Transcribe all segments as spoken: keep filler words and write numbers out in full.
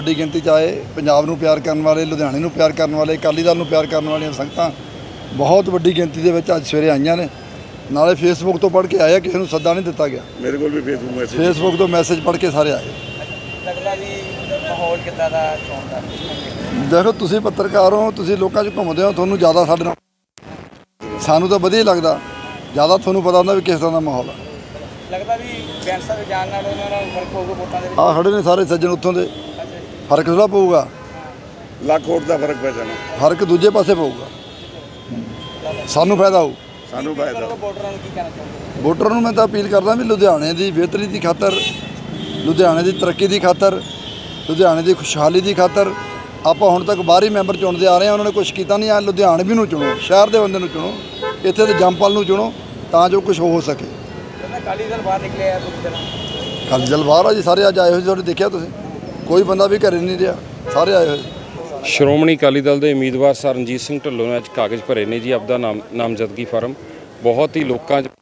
ਵੱਡੀ ਗਿਣਤੀ 'ਚ ਆਏ। ਪੰਜਾਬ ਨੂੰ ਪਿਆਰ ਕਰਨ ਵਾਲੇ, ਲੁਧਿਆਣੇ ਨੂੰ ਪਿਆਰ ਕਰਨ ਵਾਲੇ, ਅਕਾਲੀ ਦਲ ਨੂੰ ਪਿਆਰ ਕਰਨ ਵਾਲੀਆਂ ਸੰਗਤਾਂ ਬਹੁਤ ਵੱਡੀ ਗਿਣਤੀ ਦੇ ਵਿੱਚ ਅੱਜ ਸਵੇਰੇ ਆਈਆਂ ਨੇ। ਨਾਲੇ ਫੇਸਬੁੱਕ ਤੋਂ ਪੜ੍ਹ ਕੇ ਆਏ, ਕਿਸੇ ਨੂੰ ਸੱਦਾ ਨਹੀਂ ਦਿੱਤਾ ਗਿਆ। ਮੇਰੇ ਕੋਲ ਵੀ ਫੇਸਬੁੱਕ ਮੈਸੇਜ ਫੇਸਬੁੱਕ ਤੋਂ ਮੈਸੇਜ ਪੜ੍ਹ ਕੇ ਸਾਰੇ ਆਏ। ਲੱਗਦਾ ਵੀ ਮਾਹੌਲ ਕਿੱਦਾਂ ਦਾ ਚੋਣ ਦਾ? ਦੇਖੋ, ਤੁਸੀਂ ਪੱਤਰਕਾਰ ਹੋ, ਤੁਸੀਂ ਲੋਕਾਂ 'ਚ ਘੁੰਮਦੇ ਹੋ, ਤੁਹਾਨੂੰ ਜ਼ਿਆਦਾ ਸਾਡੇ ਨਾਲ, ਸਾਨੂੰ ਤਾਂ ਵਧੀਆ ਹੀ ਲੱਗਦਾ। ਜ਼ਿਆਦਾ ਤੁਹਾਨੂੰ ਪਤਾ ਹੁੰਦਾ ਵੀ ਕਿਸ ਤਰ੍ਹਾਂ ਦਾ ਮਾਹੌਲ ਹੈ। ਲੱਗਦਾ ਵੀ ਬੈਂਸਾ ਦੇ ਜਾਣ ਨਾਲ ਉਹਨਾਂ ਨਾਲ ਫਰਕ ਹੋਊਗਾ ਵੋਟਾਂ ਦੇ ਵਿੱਚ? ਆਹ ਖੜੇ ਨੇ ਸਾਰੇ ਸੱਜਣ ਉੱਥੋਂ ਦੇ। ਫਰਕ ਥੋੜ੍ਹਾ ਪਊਗਾ, ਲੱਖ ਵੋਟ ਦਾ ਫਰਕ ਪੈ ਜਾਣਾ। ਫਰਕ ਦੂਜੇ ਪਾਸੇ ਪਊਗਾ, ਸਾਨੂੰ ਫਾਇਦਾ ਹੋਊ। ਸਾਨੂੰ ਫਾਇਦਾ। ਵੋਟਰਾਂ ਨੂੰ ਕੀ ਕਹਿਣਾ ਚਾਹੁੰਦੇ? ਵੋਟਰਾਂ ਨੂੰ ਮੈਂ ਤਾਂ ਅਪੀਲ ਕਰਦਾ ਵੀ ਲੁਧਿਆਣੇ ਦੀ ਬਿਹਤਰੀ ਦੀ ਖਾਤਰ, ਲੁਧਿਆਣੇ ਦੀ ਤਰੱਕੀ ਦੀ ਖਾਤਰ, ਲੁਧਿਆਣੇ ਦੀ ਖੁਸ਼ਹਾਲੀ ਦੀ ਖਾਤਰ ਆਪਾਂ ਹੁਣ ਤੱਕ ਬਾਹਰੀ ਮੈਂਬਰ ਚੁਣਦੇ ਆ ਰਹੇ ਹਾਂ। ਉਹਨਾਂ ਨੇ ਕੁਛ ਕੀਤਾ ਨਹੀਂ। ਆ ਲੁਧਿਆਣੇ ਵੀ ਨੂੰ ਚੁਣੋ, ਸ਼ਹਿਰ ਦੇ ਬੰਦੇ ਨੂੰ ਚੁਣੋ, ਇੱਥੇ ਦੇ ਜੰਮਪਲ ਨੂੰ ਚੁਣੋ, ਤਾਂ ਜੋ ਕੁਝ ਹੋ ਸਕੇ। ਅਕਾਲੀ ਦਲ ਬਾਹਰ ਨਿਕਲੇ ਆ ਪੂਰੀ ਤਰ੍ਹਾਂ? ਅਕਾਲੀ ਦਲ ਬਾਹਰ ਆ ਜੀ, ਸਾਰੇ ਅੱਜ ਆਏ ਹੋਏ। ਤੁਹਾਡੇ ਦੇਖਿਆ ਤੁਸੀਂ, ਕੋਈ ਬੰਦਾ ਵੀ ਘਰੇ ਨਹੀਂ ਰਿਹਾ, ਸਾਰੇ ਆਏ ਹੋਏ। ਸ਼੍ਰੋਮਣੀ ਅਕਾਲੀ ਦਲ ਦੇ ਉਮੀਦਵਾਰ ਸਰ ਰਣਜੀਤ ਸਿੰਘ ਢਿੱਲੋਂ ਨੇ ਅੱਜ ਕਾਗਜ਼ ਭਰੇ ਨੇ ਜੀ ਆਪਦਾ ਨਾਮ ਨਾਮਜ਼ਦਗੀ ਫਾਰਮ। ਬਹੁਤ ਹੀ ਲੋਕਾਂ 'ਚ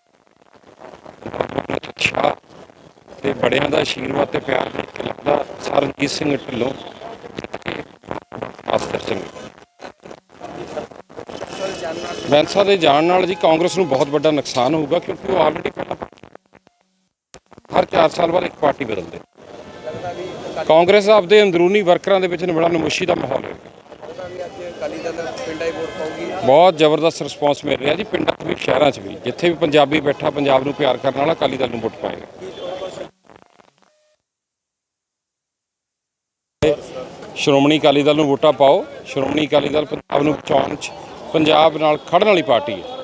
ਉਤਸ਼ਾਹ ਤੇ ਬੜਿਆਂ ਦਾ ਆਸ਼ੀਰਵਾਦ ਤੇ ਪਿਆਰ ਦੇਖ ਕੇ ਲੱਗਦਾ ਸਰ ਰਣਜੀਤ ਸਿੰਘ ਢਿੱਲੋਂ ਆਸਤਰ ਸਿੰਘ ਬੈਂਸਾ ਦੇ ਜਾਣ ਨਾਲ ਜੀ ਕਾਂਗਰਸ ਨੂੰ ਬਹੁਤ ਵੱਡਾ ਨੁਕਸਾਨ ਹੋਊਗਾ, ਕਿਉਂਕਿ ਉਹ ਆਲਰੇਡੀ ਪਹਿਲਾਂ ਹਰ ਚਾਰ ਸਾਲ ਬਾਅਦ ਇੱਕ ਪਾਰਟੀ ਬਦਲਦੇ। ਕਾਂਗਰਸ ਆਪਦੇ ਅੰਦਰੂਨੀ ਵਰਕਰਾਂ ਦੇ ਵਿੱਚ ਬੜਾ ਨਮੋਸ਼ੀ ਦਾ ਮਾਹੌਲ ਹੈ। ਬਹੁਤ ਜ਼ਬਰਦਸਤ ਰਿਸਪੌਂਸ ਮਿਲ ਰਿਹਾ ਜੀ, ਪਿੰਡਾਂ 'ਚ ਵੀ ਸ਼ਹਿਰਾਂ 'ਚ ਵੀ। ਜਿੱਥੇ ਵੀ ਪੰਜਾਬੀ ਬੈਠਾ, ਪੰਜਾਬ ਨੂੰ ਪਿਆਰ ਕਰਨ ਵਾਲਾ, ਅਕਾਲੀ ਦਲ ਨੂੰ ਵੋਟ ਪਾਏਗਾ। ਸ਼੍ਰੋਮਣੀ ਅਕਾਲੀ ਦਲ ਨੂੰ ਵੋਟਾਂ ਪਾਓ। ਸ਼੍ਰੋਮਣੀ ਅਕਾਲੀ ਦਲ ਪੰਜਾਬ ਨੂੰ ਬਚਾਉਣ 'ਚ, ਪੰਜਾਬ ਨਾਲ ਖੜ੍ਹਨ ਵਾਲੀ ਪਾਰਟੀ ਹੈ।